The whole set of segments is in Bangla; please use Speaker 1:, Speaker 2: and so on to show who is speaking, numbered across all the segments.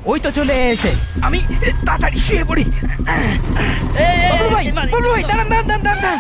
Speaker 1: ওই তো চলে এসে। আমি তাড়াতাড়ি শুয়ে পড়ি। বাবলু ভাই দাঁড়ান দাঁড়ান দাঁড়ান দাঁড়ান।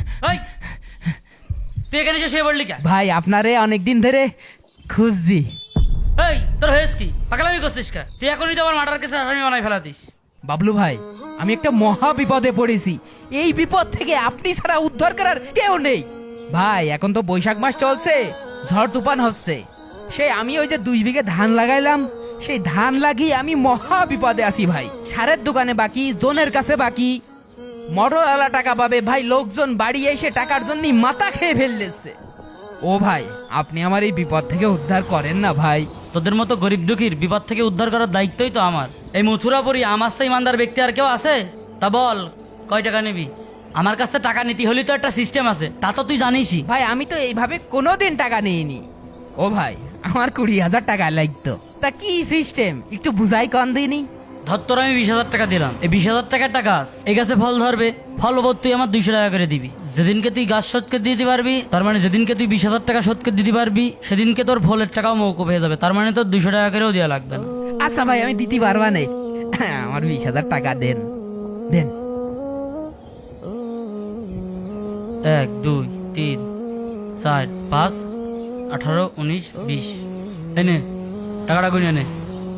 Speaker 2: তুই এখানে এসে শুয়ে পড়লি কেন?
Speaker 1: ভাই আপনারে অনেকদিন ধরে খুঁজছি।
Speaker 2: এই তোর হয়েছ কি? পাগলামি করছিস কা? তুই এখনই তো আমার মার্ডার কেসে আসামি বানাই ফেলাতিস।
Speaker 1: বাবলু ভাই আমি একটা মহা বিপদে পড়েছি। এই বিপদ থেকে আপনি ছাড়া উদ্ধার করার কেউ নেই। ভাই এখন তো বৈশাখ মাস চলছে, ঝড় তুফান হচ্ছে। সেই আমি ওই যে 2 বিঘে ধান লাগাইলাম, সেই ধান লাগিয়ে আমি মহা বিপদে আছি ভাই। সারের দোকানে বাকি, জোনের কাছে বাকি, মোটরওয়ালা টাকা পাবে ভাই, লোকজন বাড়ি এসে টাকার জন্য মাথা খেয়ে ফেললেছে। ও ভাই আপনি আমার এই বিপদ থেকে উদ্ধার করেন না ভাই।
Speaker 2: তোদের মতো গরিব দুঃখীর বিপদ থেকে উদ্ধার করার দায়িত্বই তো আমার। এই মথুরাপুরি আমার সেই ইমানদার ব্যক্তি আর কেউ আছে? তা বল কয় টাকা নিবি? আমার কাছ থেকে টাকা নিতে হলে তো একটা সিস্টেম আছে, তা তো তুই জানিসই।
Speaker 1: ভাই আমি তো এইভাবে কোনোদিন টাকা নিইনি। ও ভাই আমার 20,000 টাকা লাগতো। তা কি সিস্টেম একটু বুঝাই কন দিনি।
Speaker 2: ধর তোর আমি 20,000 টাকা দিলাম, এই 20,000 টাকার গাছ, এই গাছে ফল ধরবে, ফল ওপর তুই আমার 200 টাকা করে দিবি। যেদিনকে তুই গাছ শোধকে দিতে পারবি, তার মানে যেদিনকে তুই 20,000 টাকা শোধকে দিতে পারবি, সেদিনকে তোর ফলের টাকাও মৌকুফ হয়ে যাবে। তার মানে তোর 200 টাকা করেও দেওয়া লাগবে না।
Speaker 1: আচ্ছা ভাই আমি দিতে পারবা না, আমার 20,000 টাকা দেন দেন।
Speaker 2: 1 2 3 4 5 18 19 20 এনে টাকাটা গুনিয়ে নে।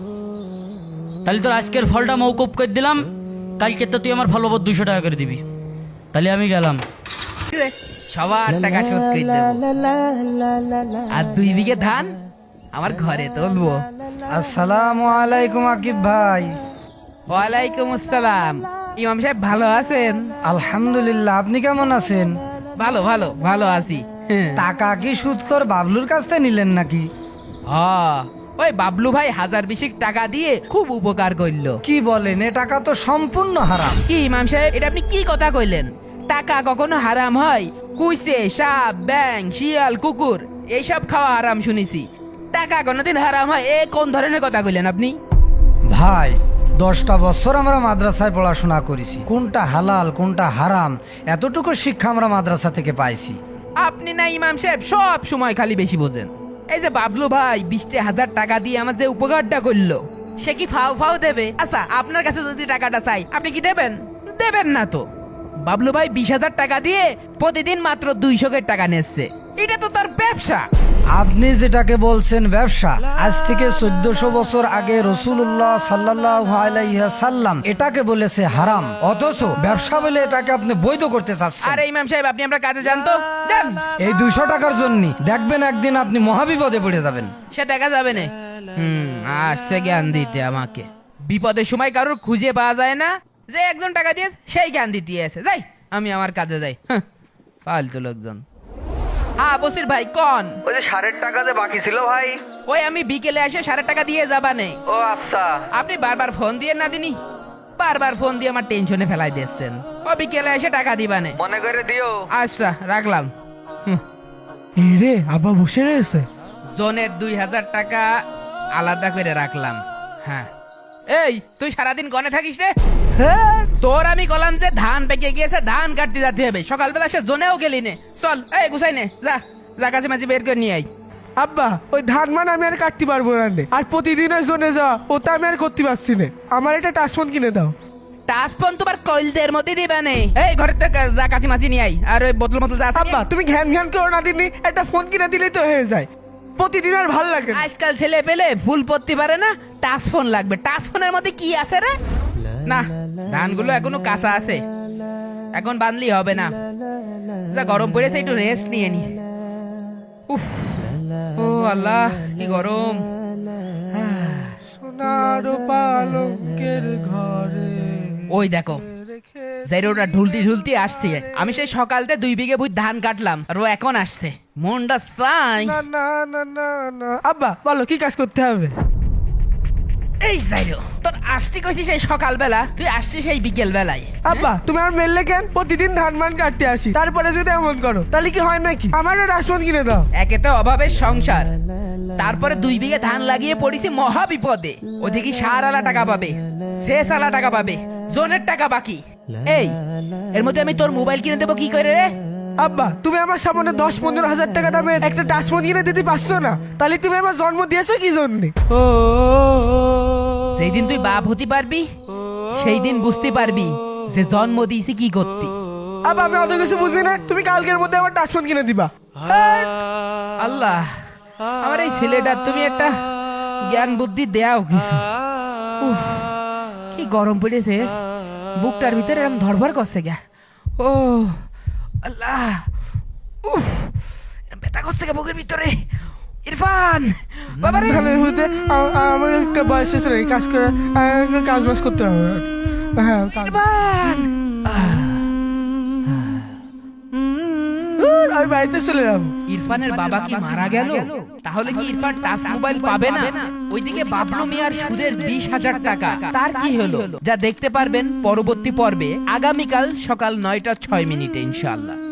Speaker 2: তাহলে তোর আজকের ফলটা মৌকুফ করে দিলাম, কালকে তো তুই আমার ফল ওপর 200 টাকা করে দিবি। তাহলে আমি গেলাম।
Speaker 1: সবার টাকা শোধ করে দেবো। আর 2 বিঘে ধান আমার ঘরে তুলবো।
Speaker 3: আসসালামু আলাইকুম আকিব ভাই।
Speaker 1: ওয়ালাইকুম আসসালাম। ইমাম সাহেব ভালো আছেন?
Speaker 3: আলহামদুলিল্লাহ, আপনি কেমন আছেন?
Speaker 1: ভালো ভালো ভালো আছি।
Speaker 3: টাকা কি সুদখোর বাবলুর কাছ থেকে নিলেন নাকি?
Speaker 1: ওই বাবলু ভাই 1020 টাকা দিয়ে খুব উপকার করলো।
Speaker 3: কি বলেন, এ টাকা তো সম্পূর্ণ হারাম।
Speaker 1: কি ইমাম সাহেব এটা আপনি কি কথা কইলেন? টাকা কখনো হারাম হয়? কুইসে, সাপ, ব্যাং, শিয়াল, কুকুর এইসব খাওয়া হারাম শুনেছি। টাকা কোনোদিন হারাম হয়? এ কোন ধরনের কথা কইলেন আপনি?
Speaker 3: ভাই 10টা বছর আমরা মাদ্রাসায় পড়াশোনা করেছি, কোনটা হালাল কোনটা হারাম এতটুকু শিক্ষা আমরা মাদ্রাসা থেকে পাইছি।
Speaker 1: আপনি না ইমাম সাহেব সব সময় খালি বেশি বোঝেন। এই যে বাবলু ভাই 20,000 টাকা দিয়ে আমার যে উপকারটা করলো, সে কি ফাও ফাও দেবে? আচ্ছা আপনার কাছে যদি টাকাটা চাই আপনি কি দেবেন? দেবেন না তো। বাবলু ভাই 20,000 টাকা দিয়ে প্রতিদিন মাত্র 200 টাকা নিচ্ছে। এটা তো তার ব্যবসা।
Speaker 3: আপনি যেটাকে বলছেন ব্যবসা, আজ থেকে 1400 বছর আগে রাসূলুল্লাহ সাল্লাল্লাহু আলাইহি সাল্লাম এটাকে বলেছে হারাম, অথচ ব্যবসা বলে এটাকে আপনি বৈধ করতে চাচ্ছেন।
Speaker 1: আরে ইমাম সাহেব আপনি আমরা কাজে যান তো, যান।
Speaker 3: এই 200 টাকার জন্য দেখবেন একদিন আপনি মহাবিপদে পড়ে যাবেন।
Speaker 1: সে দেখা যাবে না। আসছে জ্ঞান দিতে আমাকে। বিপদের সময় কারোর খুঁজে পাওয়া যায় না, যে একজন টাকা দিয়ে সেই জ্ঞান দিতে আছে। যাই আমি আমার কাজে যাই। ফালতু লোকজন। হ্যাঁ বসির ভাই কোন?
Speaker 4: ওই যে সারের টাকা যে বাকি ছিল ভাই।
Speaker 1: ওই আমি বিকেলে এসে 1,000 টাকা দিয়ে যাবা নেই।
Speaker 4: ও আচ্ছা।
Speaker 1: আপনি বারবার ফোন দিয়ে না দিনি, বারবার ফোন দিয়ে আমার টেনশনে ফেলাই দিচ্ছেন। ও বিকেলে এসে টাকা দিবা নে।
Speaker 4: মনে করে দিও।
Speaker 1: আচ্ছা রাখলাম।
Speaker 5: রে আব্বা বসে রয়েছে।
Speaker 1: জনের 2,000 টাকা আলাদা করে রাখলাম। হ্যাঁ এই তুই সারাদিন গনে থাকিস রে? তোর আমি বললাম যে ধান পেকে গিয়েছে, ধান কাটতে যেতে হবে। সকালবেলা সে জোনেও গেলি নে। চল এই গুছাই নে, যা যা কাছে মাঝে বের করে নিয়ে আই।
Speaker 5: আব্বা ওই ধান মান আমি আর কাটতে পারবো না রে। আর প্রতিদিন ওই জোনে যাওয়া ওটা আমি আর করতে পারছি না। আমার একটা টাচফোন কিনে দাও।
Speaker 1: টাচফোন তোমার কইলদের মধ্যে দিবা নে। এই ঘরের থেকে যা কাছে মাছি নিয়ে আই। আর ওই বোতল মতো যা আছে
Speaker 5: আব্বা তুমি ঘ্যান ঘ্যান করো না দিনই, একটা ফোন কিনে দিলেই তো হয়ে যায়। প্রতিদিন আর ভাল লাগে না।
Speaker 1: আজকাল ছেলে পেলে ফুল পড়তে পারে না, টাচফোন লাগবে। টাচফোনের মধ্যে কি আছে রে? না ধানগুলো এখনো কাঁচা আছে, এখন বানলি হবে না। যা গরম পড়েছে একটু রেস্ট নিয়ে নি। উফ ও আল্লাহ কি গরম।
Speaker 5: সোনার পালঙ্কের ঘরে
Speaker 1: ওই দেখো জাইরোটা ঢুলতি ঢুলতি আসছে। আমি সেই সকালতে 2 বিঘে বুঝ ধান কাটলাম আর ও এখন আসছে। মনটা চাই।
Speaker 5: না না না না না। আব্বা বলো কি কাজ করতে হবে?
Speaker 1: এই জাইরো তোর আসতে কইছি সেই সকালবেলা, তুই আসছিস সেই বিকেল বেলায়।
Speaker 5: আব্বা তুমি আর মেললে কেন? প্রতিদিন ধান মান কাটতে আসি, তারপরে যদি এমন করো তাহলে কি হয় নাকি? আমার টাচফোন কিনে দাও।
Speaker 1: একে তো অভাবের সংসার, তারপরে 2 বিঘে ধান লাগিয়ে পড়েছি মহা বিপদে। ওদিকে সার আলা টাকা পাবে, শেষ আলা টাকা পাবে, জোনের টাকা বাকি। এই এর মধ্যে আমি তোর মোবাইল কিনে দেবো কি করে রে?
Speaker 5: আব্বা তুমি আমার সামনে 10-15 হাজার টাকা দামের একটা টাচফোন কিনে দিতে পারছো না, তাহলে তুমি আমার জন্ম দিয়েছো কি জন্যে? ও
Speaker 1: যেই দিন তুই বাপ হতে পারবি সেই দিন বুঝতে পারবি যে জন্ম দিয়েছি কি করতি।
Speaker 5: আব্বা আমি অত কিছু বুঝি না, তুমি কালকের মধ্যে আমার টাচফোন কিনে দিবা।
Speaker 1: আল্লাহ, আমার এই ছেলেটার তুমি একটা জ্ঞান বুদ্ধি দেও কিছু। উফ, কি গরম পড়েছে, বুকটার ভিতরে এরকম ধরভর করছে গা। ও আল্লাহ, উফ, এরম ব্যথা করছে গা বুকের ভিতরে। ইরফান বাবারে,
Speaker 5: ধানের মধ্যে আমার একটা বয়স শেষ রে, কাজ করে কাজ বাজ করতে হবে। হ্যাঁ
Speaker 1: ইরফান,
Speaker 5: আমি বাড়িতে চলে যাবো।
Speaker 1: ইরফানের বাবা কি মারা গেল? তাহলে কি ইরফান টাচ মোবাইল পাবে না? ওইদিকে বাবলু মিয়ার সুদের 20,000 টাকা, তার কি হলো? যা দেখতে পারবেন পরবর্তী পর্বে আগামীকাল সকাল 9টা 6 মিনিটে ইনশাআল্লাহ।